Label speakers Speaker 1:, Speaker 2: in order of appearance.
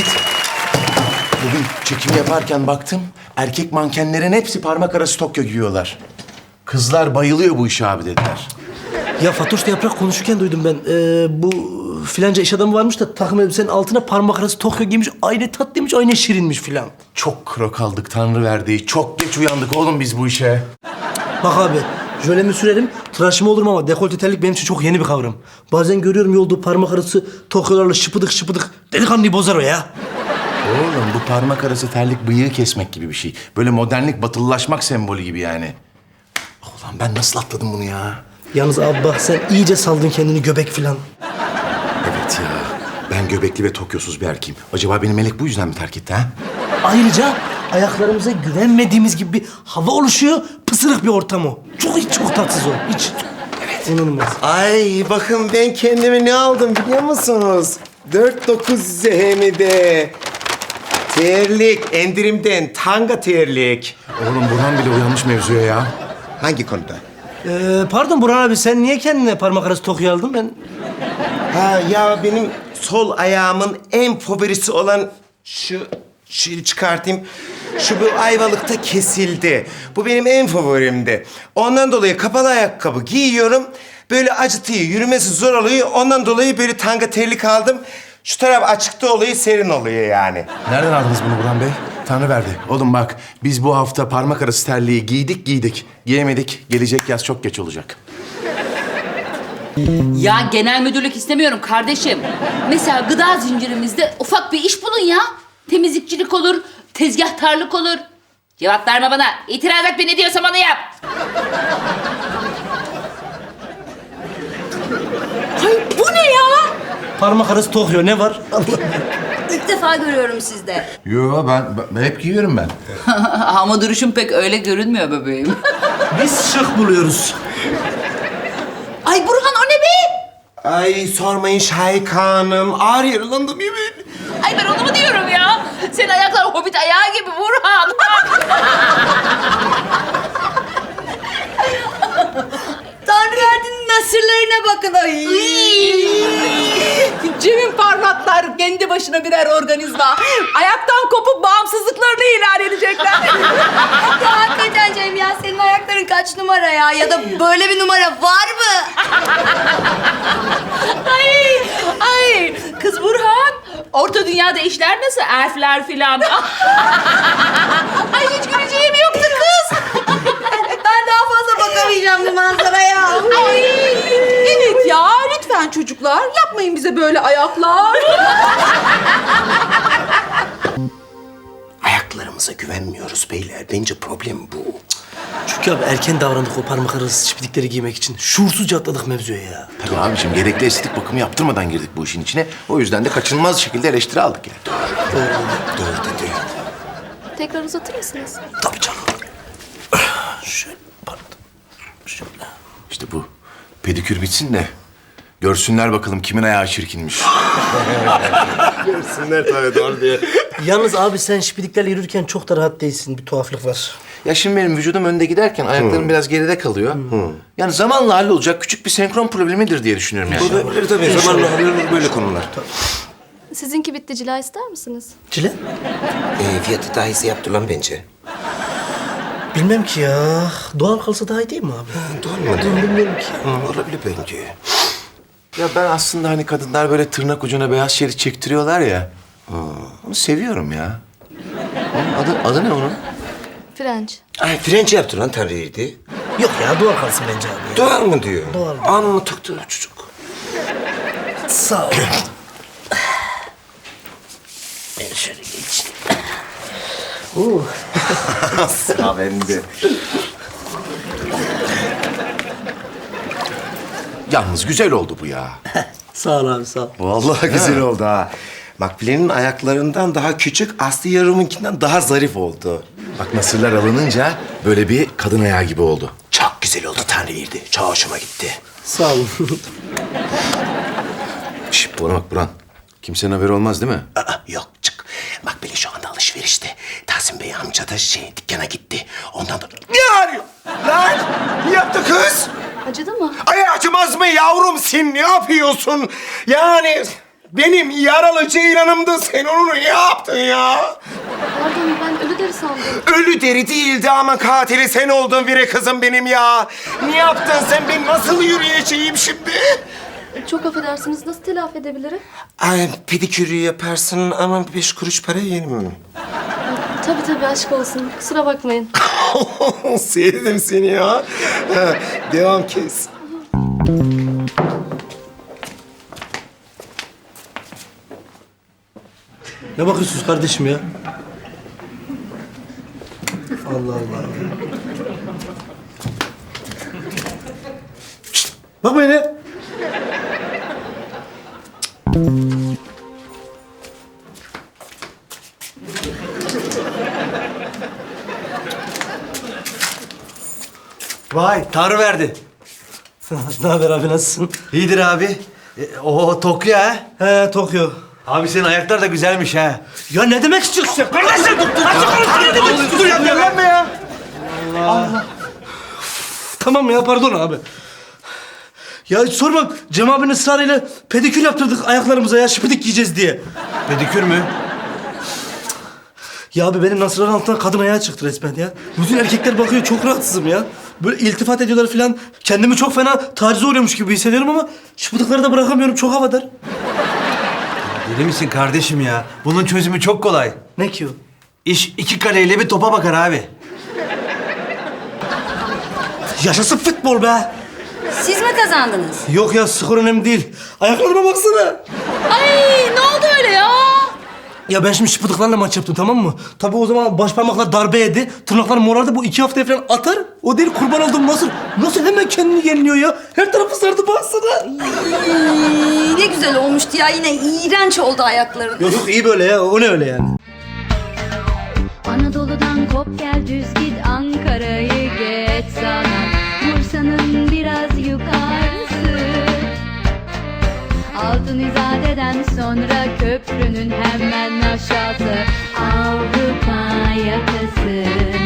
Speaker 1: Evet. Bugün çekim yaparken baktım, erkek mankenlerin hepsi parmak arası Tokyo giyiyorlar. Kızlar bayılıyor bu işe abi dediler.
Speaker 2: Ya Fatoş'la Yaprak konuşurken duydum ben. Bu filanca iş adamı varmış da takım elbisenin altına parmak arası Tokyo giymiş. Aynı tatlıymış, aynı şirinmiş filan.
Speaker 1: Çok kro kaldık Tanrı verdiği. Çok geç uyandık oğlum biz bu işe.
Speaker 2: Bak abi, jölemi sürerim, tıraşımı olurum ama dekolte terlik benim için çok yeni bir kavram. Bazen görüyorum yolda parmak arası Tokyo'larla şıpıdık şıpıdık. Delikanlıyı bozar o ya.
Speaker 1: Oğlum bu parmak arası terlik bıyığı kesmek gibi bir şey. Böyle modernlik, batılılaşmak sembolü gibi yani. Ulan ben nasıl atladım bunu ya?
Speaker 2: Yalnız abi bak sen iyice saldın kendini göbek filan.
Speaker 1: Evet ya. Ben göbekli ve Tokyosuz bir erkeğim. Acaba beni Melek bu yüzden mi terk etti ha?
Speaker 2: Ayrıca ayaklarımıza güvenmediğimiz gibi bir hava oluşuyor. Pısırık bir ortam o. Çok tatsız o. Hiç. Evet. İnanılmaz.
Speaker 3: Ay bakın ben kendime ne aldım biliyor musunuz? 4.9 ZHM'de. Terlik, indirimden tanga terlik.
Speaker 1: Oğlum Burhan bile uyanmış mevzuya ya.
Speaker 3: Hangi konuda?
Speaker 2: Pardon Burhan abi sen niye kendine parmak arası Tokyo aldın? Ben
Speaker 3: Ha ya benim sol ayağımın en favorisi olan şu şeyi çıkartayım. Şu bu Ayvalık'ta kesildi. Bu benim en favorimdi. Ondan dolayı kapalı ayakkabı giyiyorum. Böyle acıtıyor, yürümesi zor oluyor. Ondan dolayı böyle tanga terlik aldım. Şu taraf açıkta oluyor, serin oluyor yani.
Speaker 1: Nereden aldınız bunu Burhan Bey? Tanrı verdi. Oğlum bak biz bu hafta parmak arası terliği giydik. Giyemedik. Gelecek yaz çok geç olacak.
Speaker 4: Ya genel müdürlük istemiyorum kardeşim. Mesela gıda zincirimizde ufak bir iş bulun ya. Temizlikçilik olur, tezgahtarlık olur. Cevap verme bana. İtiraz et, ne diyorsam onu yap. Ay bu ne ya?
Speaker 2: parmak arası Tokyo ne var?
Speaker 5: İlk defa görüyorum sizde.
Speaker 1: Yo ben hep giyiyorum ben.
Speaker 4: Ama duruşum pek öyle görünmüyor bebeğim.
Speaker 2: Biz şık buluyoruz.
Speaker 4: Ay Burhan o ne be?
Speaker 3: Ay sormayın Şahika Hanım. Ağır yaralandım yemin.
Speaker 4: Ay ben onu mu diyorum ya? Senin ayaklar hobbit ayağı gibi Burhan.
Speaker 5: Tanrı verdiğinin nasırlarına bakın. Ay.
Speaker 6: Cem'in parmaklar kendi başına birer organizma. Ayaktan kopup bağımsızlıklarını ilan edecekler.
Speaker 5: Ya hakikaten Cem ya senin ayakların kaç numara ya? Ya da böyle bir numara var mı?
Speaker 4: Ay kız Burhan. Orta dünyada işler nasıl? Elfler filan. Ay hiç güleceğim yoktu kız.
Speaker 5: Ben daha fazla bakamayacağım bu manzaraya.
Speaker 6: Evet ya lütfen çocuklar yapmayın bize böyle ayaklar.
Speaker 3: Ayaklarımıza güvenmiyoruz beyler. Bence problem bu.
Speaker 2: Çünkü abi erken davrandık o parmak arası çipidikleri giymek için. Şuursuzca atladık mevzuya ya.
Speaker 1: Tabii abiciğim gerekli estetik bakımı yaptırmadan girdik bu işin içine. O yüzden de kaçınılmaz şekilde eleştiri aldık yani.
Speaker 3: Doğru dedi.
Speaker 5: Tekrar uzatır mısınız?
Speaker 2: Tabii canım. Şöyle pardon. Şöyle.
Speaker 1: İşte bu pedikür bitsin de görsünler bakalım kimin ayağı çirkinmiş.
Speaker 3: Görsünler tabii doğru diye.
Speaker 2: Yalnız abi sen şipidiklerle yürürken çok da rahat değilsin. Bir tuhaflık var.
Speaker 1: Ya şimdi benim vücudum önde giderken ayaklarım biraz geride kalıyor. Yani zamanla hallolacak küçük bir senkron problemidir diye düşünüyorum yani.
Speaker 3: Olabilir tabii. Zamanla hallolur böyle konular.
Speaker 5: Sizinki bitti, cila ister misiniz?
Speaker 2: Cile?
Speaker 3: Fiyatı daha iyisi yaptı lan bence.
Speaker 2: Bilmem ki ya. Doğal kalsa daha iyi değil mi abi?
Speaker 3: Doğru mu?
Speaker 2: Bilmiyorum ki.
Speaker 3: Olabilir bence.
Speaker 1: Ya ben aslında hani kadınlar böyle tırnak ucuna beyaz şerit çektiriyorlar ya. Onu seviyorum ya. Onun adı ne onun?
Speaker 5: French.
Speaker 3: Ay French yaptı lan Tanrı'ydı.
Speaker 2: Yok ya doğal kalsın bence abi.
Speaker 3: Doğal mı diyor?
Speaker 2: Doğal.
Speaker 3: Anını tıktı çocuk.
Speaker 2: Sağ ol. Ben şöyle geçeyim.
Speaker 3: Sıra bende.
Speaker 1: Yalnız güzel oldu bu ya.
Speaker 2: Sağ ol abi sağ ol.
Speaker 3: Vallahi güzel oldu ha. Makbule'nin ayaklarından daha küçük, Aslı Yarım'ınkinden daha zarif oldu.
Speaker 1: Bak nasırlar alınınca böyle bir kadın ayağı gibi oldu.
Speaker 3: Çok güzel oldu Tanrı'ydı. Çok hoşuma gitti.
Speaker 2: Sağ olun.
Speaker 1: Şş, bana bak Burhan. Kimsenin haberi olmaz değil mi?
Speaker 3: Yok çık. Makbule şu anda alışverişte. Tahsin Bey amca da dükkana gitti. Ondan da... Ne arıyor? Lan! Ne yaptı kız?
Speaker 5: Acıdı mı?
Speaker 3: Ay acımaz mı yavrum sen ne yapıyorsun? Yani Benim yaralı ceylanımdı. Sen onu ne yaptın ya?
Speaker 5: Pardon ben ölü deri sandım.
Speaker 3: Ölü deri değildi ama katili sen oldun Vire kızım benim ya. Ne yaptın sen? Ben nasıl yürüyeceğim şimdi?
Speaker 5: Çok affedersiniz nasıl telafi edebilirim?
Speaker 3: Ay, pedikürü yaparsın ama 5 kuruş para yerim.
Speaker 5: Tabii aşk olsun. Kusura bakmayın.
Speaker 3: Sevdim seni ya. Ha, devam kes.
Speaker 2: Ne bakıyorsunuz kardeşim ya? Allah Allah. Şşt, bakma yine.
Speaker 7: Vay Tanrı verdi.
Speaker 2: Ne haber abi nasılsın?
Speaker 7: İyidir abi. O Tokyo ha.
Speaker 2: He Tokyo.
Speaker 7: Abi senin ayaklar da güzelmiş ha.
Speaker 2: Ya ne demek istiyorsun sen? Kardeşim ne demek istiyorsun ya?
Speaker 7: Evlenme ya.
Speaker 2: Tamam ya pardon abi. Ya hiç sorma Cem abinin ısrarıyla pedikür yaptırdık ayaklarımıza ya şıpıdık yiyeceğiz diye.
Speaker 7: Pedikür mü?
Speaker 2: Ya abi benim nasırların altından kadın ayağı çıktı resmen ya. Bütün erkekler bakıyor çok rahatsızım ya. Böyle iltifat ediyorlar falan. Kendimi çok fena tacize uğruyormuş gibi hissediyorum ama şıpıdıkları da bırakamıyorum çok havadar.
Speaker 7: Deli misin kardeşim ya? Bunun çözümü çok kolay.
Speaker 2: Ne ki o?
Speaker 7: İş 2 kaleyle bir topa bakar abi.
Speaker 2: Yaşasın futbol be.
Speaker 5: Siz mi kazandınız?
Speaker 2: Yok ya skor önemli değil. Ayaklarıma baksana.
Speaker 4: Ay ne oldu öyle ya?
Speaker 2: Ya ben şimdi şıpıdıklarla maç yaptım tamam mı? Tabii o zaman baş parmaklar darbe yedi. Tırnaklarım morardı. Bu 2 haftaya falan atar. O değil kurban olduğum nasıl hemen kendini yeniliyor ya. Her tarafı sardı baksana.
Speaker 5: Ne güzel olmuştu ya. Yine iğrenç oldu ayakların.
Speaker 2: Yok iyi böyle ya. O ne öyle yani?
Speaker 8: Anadolu'dan kop gel düz git Ankara'yı geç sana Bursa'nın biraz yukarısı Altın İzade'den sonra köprünün hemen aşağısı Avrupa yakası